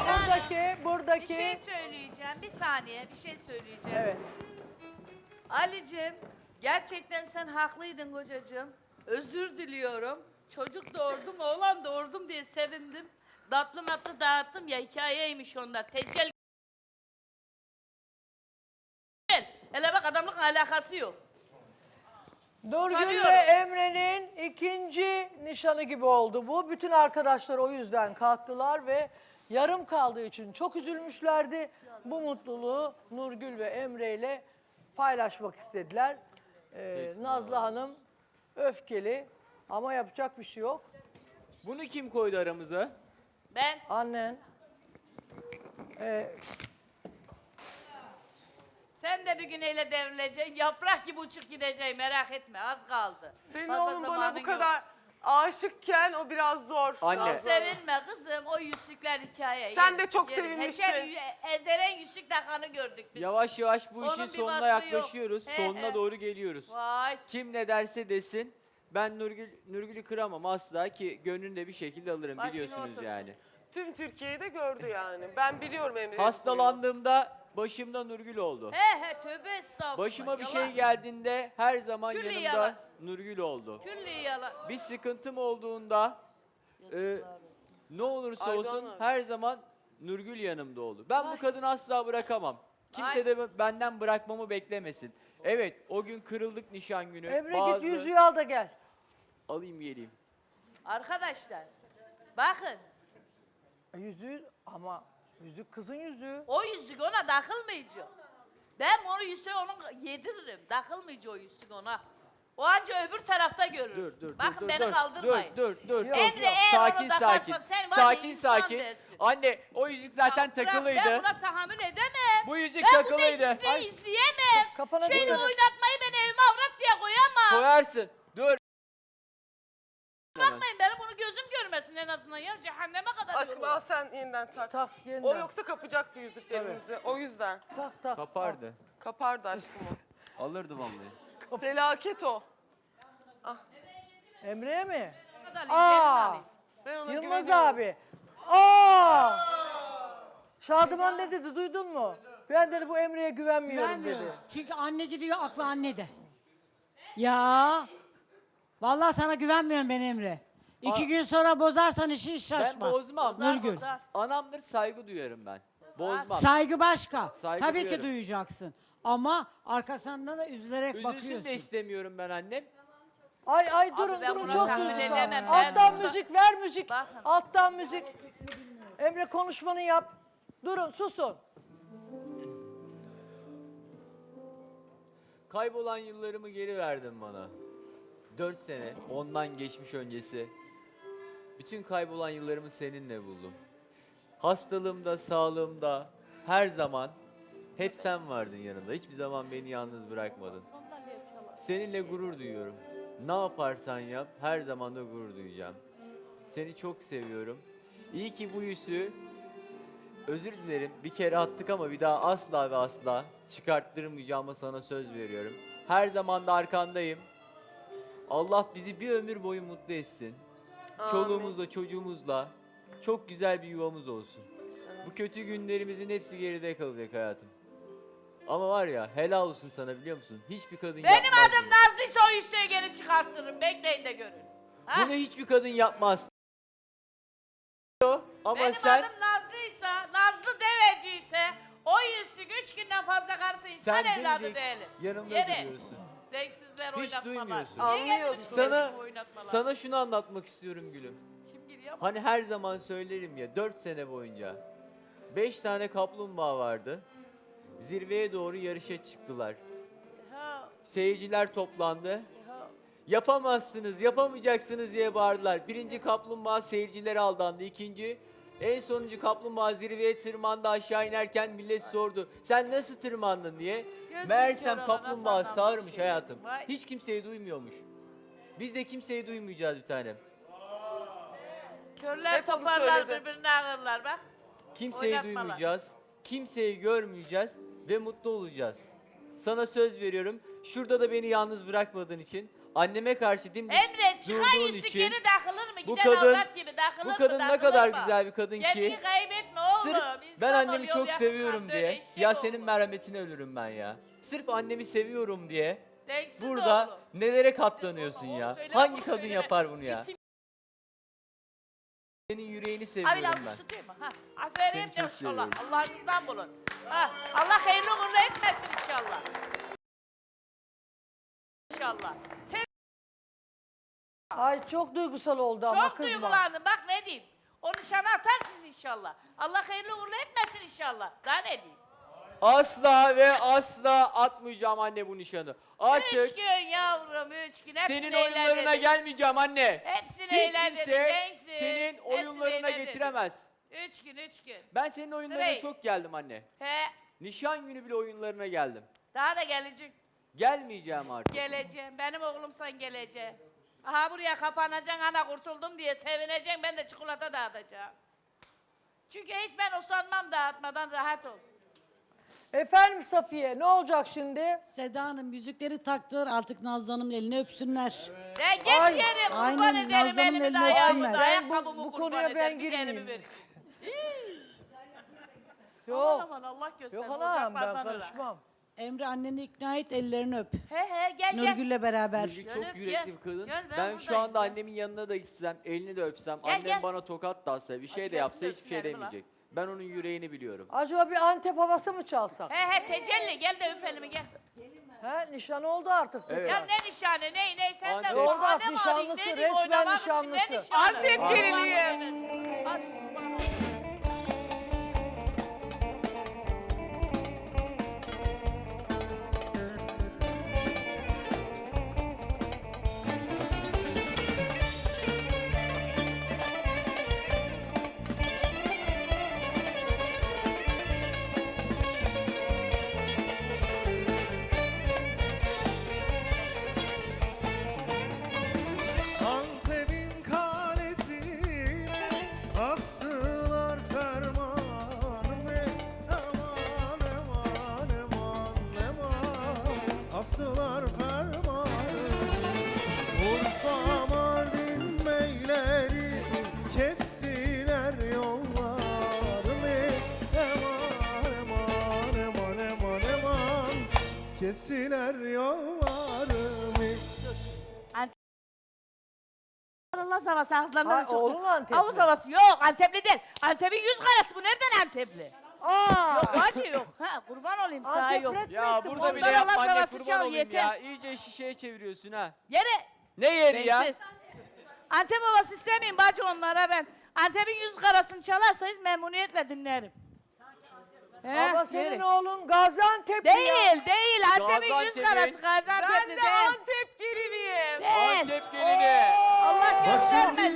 buradaki. Bir şey söyleyeceğim. Bir saniye bir şey söyleyeceğim. Evet. Ali'cim gerçekten sen haklıydın kocacığım. Özür diliyorum. Çocuk doğurdum, oğlan doğurdum diye sevindim. Tatlı matlı dağıttım ya, hikayeymiş onlar. Teccel. Hele bak, adamlıkla alakası yok. Nurgül ve Tanıyorum. Emre'nin ikinci nişanı gibi oldu bu. Bütün arkadaşlar o yüzden kalktılar ve yarım kaldığı için çok üzülmüşlerdi. Bu mutluluğu Nurgül ve Emre ile paylaşmak istediler. Nazlı Hanım öfkeli ama yapacak bir şey yok. Bunu kim koydu aramıza? Ben Annen. sen de bir gün öyle devrileceksin. Yaprak gibi uçup gideceksin, merak etme, az kaldı. Senin Fazla oğlun bana zamanın bu yok. kadar aşıkken o biraz zor. Anne. Çok sevinme kızım, o yüzükler hikaye. Sen de çok sevinmiştin. Ezeren yüzük takanı gördük biz. Yavaş yavaş bu Onun işin bir sonuna vasfı yok. yaklaşıyoruz. He, Sonuna he. doğru geliyoruz. Vay. Kim ne derse desin ben Nurgül'ü kıramam asla ki gönlünü de bir şekilde alırım Başına biliyorsunuz otursun. yani. Tüm Türkiye'yi de gördü yani. Ben biliyorum Emre'nin. Hastalandığımda başımda Nurgül oldu. He tövbe estağfurullah. Başıma bir yalan. şey geldiğinde her zaman Külli yanımda yalan. Nurgül oldu. Külli yalan. Bir sıkıntım olduğunda ne olursa Aydan olsun abi. her zaman Nurgül yanımda oldu. Ben bu kadını asla bırakamam. Kimse Vay. de benden bırakmamı beklemesin. Evet o gün kırıldık nişan günü. Emre git yüzüğü al da gel. Alayım geleyim. Arkadaşlar bakın, Yüzüğü ama yüzük kızın yüzüğü. o yüzük ona takılmayacak. Ben onu yüzüğü onun yediririm. Takılmayacak o yüzük ona. O anca öbür tarafta görür. Dur Bakın beni kaldırmayın. Dur. Yok, Emre yok. eğer Sakin onu takarsan sakin. sen var Sakin ya insan sakin. dersin. Anne o yüzük zaten Ya bırak, takılıydı. Ben buna tahammül edemem. Bu yüzük ben takılıydı. Ben bu dizisini izleyemem. Kafana Şöyle dikkat et. oynatmayı ben evime avrat diye koyamam. Koyarsın. Dur. Bakmayın, benim bunu gözüm görmesin en azından ya. Cehenneme kadar Aşkım yolu. al sen yeniden tak. Tak yeniden. O yoksa kapacaktı yüzüklerimizi. O yüzden. Tak. Kapardı. Kapardı aşkım o. Alırdı vallahi. Felaket o. Emre'ye mi? Hadi alayım, Aa! yerini alayım. Ben ona Yılmaz güveniyorum. abi. Aa! Şadıman ne dedi duydun mu? Ben dedi bu Emre'ye güvenmiyorum dedi. Çünkü anne gidiyor, aklı annede. Ya. Vallahi sana güvenmiyorum ben Emre. 2 gün sonra bozarsan işin Ben şaşma. bozmam. Nurgül. Bozar. Anamdır saygı duyarım ben. Bozmam. Saygı başka. Saygı Tabii duyarım. ki duyacaksın. Ama arkasından da üzülerek Üzülsün bakıyorsun. de istemiyorum ben annem. Ay durun ben durun buna çok tahammül duygusal. edemem, ben Alttan buna- müzik ver müzik. Bakın. Alttan müzik. Emre konuşmanı yap. Durun susun. Kaybolan yıllarımı geri verdin bana. 4 sene, ondan geçmiş öncesi. Bütün kaybolan yıllarımı seninle buldum. Hastalığımda, sağlığımda her zaman hep sen vardın yanımda. Hiçbir zaman beni yalnız bırakmadın. Seninle gurur duyuyorum. Ne yaparsan yap her zaman da gurur duyacağım. Seni çok seviyorum. İyi ki bu yüzüğü özür dilerim bir kere attık ama bir daha asla ve asla çıkarttırmayacağıma sana söz veriyorum. Her zaman da arkandayım. Allah bizi bir ömür boyu mutlu etsin. Amin. Çoluğumuzla çocuğumuzla çok güzel bir yuvamız olsun. Bu kötü günlerimizin hepsi geride kalacak hayatım. Ama var ya helal olsun sana biliyor musun? Hiçbir kadın Benim yapmaz adım bunu. Nazlıysa o yüzüğü geri çıkarttırırım. Bekleyin de görün. Ha? Bunu hiçbir kadın yapmaz. Ama Benim sen adım Nazlıysa, Nazlı deveciyse o yüzük 3 günden fazla karısı insan sen evladı dimdik değilim. yanımda Yere. duruyorsun. Denksizler Hiç oynatmalar. duymuyorsun. Niye Anlıyorsun. getirdiniz Sana bu oynatmalar? sana şunu anlatmak istiyorum gülüm. Çimgir yapma. Hani her zaman söylerim ya 4 sene boyunca 5 tane kaplumbağa vardı. Zirveye doğru yarışa çıktılar. Ha, Seyirciler toplandı. ha. Yapamazsınız, yapamayacaksınız diye bağırdılar. Birinci kaplumbağa seyircilere aldandı. İkinci, en sonuncu kaplumbağa zirveye tırmandı aşağı inerken millet sordu. Sen nasıl tırmandın diye. Gözüm Meğersem kör olana kaplumbağa sanmam sağırmış şey. hayatım. Vay. Hiç kimseyi duymuyormuş. Biz de kimseyi duymayacağız bir tanem. Körler Hep onu toparlar söyledi. birbirine ağırlar bak. Kimseyi Oynatmalar. duymayacağız. Kimseyi görmeyeceğiz ve mutlu olacağız. Sana söz veriyorum. Şurada da beni yalnız bırakmadığın için, anneme karşı dimdik Emre çıkan durduğun yüzük için geri takılır mı? bu Giden kadın- avrat gibi takılır bu mı? kadın ne Takılır kadar mı? güzel bir kadın ki Kendini kaybetme oğlum. Sırf insan ben ol, annemi yol çok yakın seviyorum kalpte diye. öyle eşek Ya oğlu. senin merhametine ölürüm ben ya. Sırf annemi seviyorum diye. Denksiz Burada oğlum. nelere katlanıyorsun Onu ya? söyleme, Hangi bunu kadın söyleme. yapar bunu ya? Bitim- Senin yüreğini Abi seviyorum lafı ben. tutayım mı? Ha, aferin Seni çok inşallah. seviyorum. Allah'ınızdan bulun. Ha, Allah hayırlı uğurlu etmesin inşallah. İnşallah. Ay çok duygusal oldu ama Çok kızma. duygulandım. Bak ne diyeyim. O nişanı atarsınız inşallah. Allah hayırlı uğurlu etmesin inşallah. Daha ne diyeyim? Asla ve asla atmayacağım anne bu nişanı. 3 Artık gün yavrum 3 gün. Hepsini senin oyunlarına eğlendirdim. gelmeyeceğim anne. Hepsini Hiç eğlendirdim. kimse Denksiz. senin Hepsini oyunlarına eğlendirdim. getiremez. 3 gün 3 gün. Ben senin oyunlarına Direkt. çok geldim anne. He. Nişan günü bile oyunlarına geldim. Daha da gelecek. Gelmeyeceğim artık. Geleceğim. Benim oğlum sen geleceksin. Aha buraya kapanacaksın ana kurtuldum diye sevineceksin. Ben de çikolata dağıtacağım. Çünkü hiç ben usanmam dağıtmadan rahat ol. Efendim Safiye ne olacak şimdi? Seda Hanım yüzükleri taktılar artık Nazlı Hanım'ın elini öpsünler. Ya geç Ay, yere kurban aynen, ederim Nazan'ın elimi de eline ayağımı da öpsünler. ayakkabımı Bu kurban konuya ben ederim. Bir de girmeyeyim. elimi ver. Yok. Aman Allah göster. Yok anam ben karışmam. Emre anneni ikna et ellerini öp. He gel gel. Nurgül'le beraber. Nurgül Gel, çok yürekli bir kadın. gel, ben ben şu buradayım, anda gel. annemin yanına da gitsem, elini de öpsem, Gel, annem gel. bana tokat da atsa, bir şey Acı de yapsa gelsin de hiçbir şey öpsün elimi lan. demeyecek. Ben onun yüreğini biliyorum. Acaba bir Antep havası mı çalsak? He tecelli gel de öp elimi gel. He nişan oldu artık. Evet. Ya ne nişanı ne sen de Antep. Doğru bak, bahane mi nişanlısı, arayayım, ne diyeyim, resmen oynamak için, ne nişanlısı. nişanı? Antep Aman gelinliği. evet. Aç kurban olayım. Antep'in kalesine astılar fermanımı. Aman aman aman aman astılar fermanımı. Urfa Mardin beyleri kestiler yollarımı. Aman aman aman aman aman kestiler yollarımı. Allah havası ağızlarından Ay, çıktı. oğlum Antepli. Havuz havası yok Antepli değil. Antep'in yüz karası bu nereden Antepli? Aa! Yok acı yok. Ha kurban olayım sana Antep yok. rap mi Ya etti burada bu? bile Ondan yapma Allah anne havası kurban çal, olayım yeter. ya. İyice şişeye çeviriyorsun ha. Yere. Ne yeri ya? Bensiz. Antep havası istemeyeyim bacı onlara ben. Antep'in yüz karasını çalarsanız memnuniyetle dinlerim. He, Ama senin yere. oğlun Gaziantep'li Değil ya. değil Antep'in yüz Gaziantep'in- karası Gaziantep'li Ben değil. de Antep geliniyim. Değil. Antep gelini. Allah göstermesin.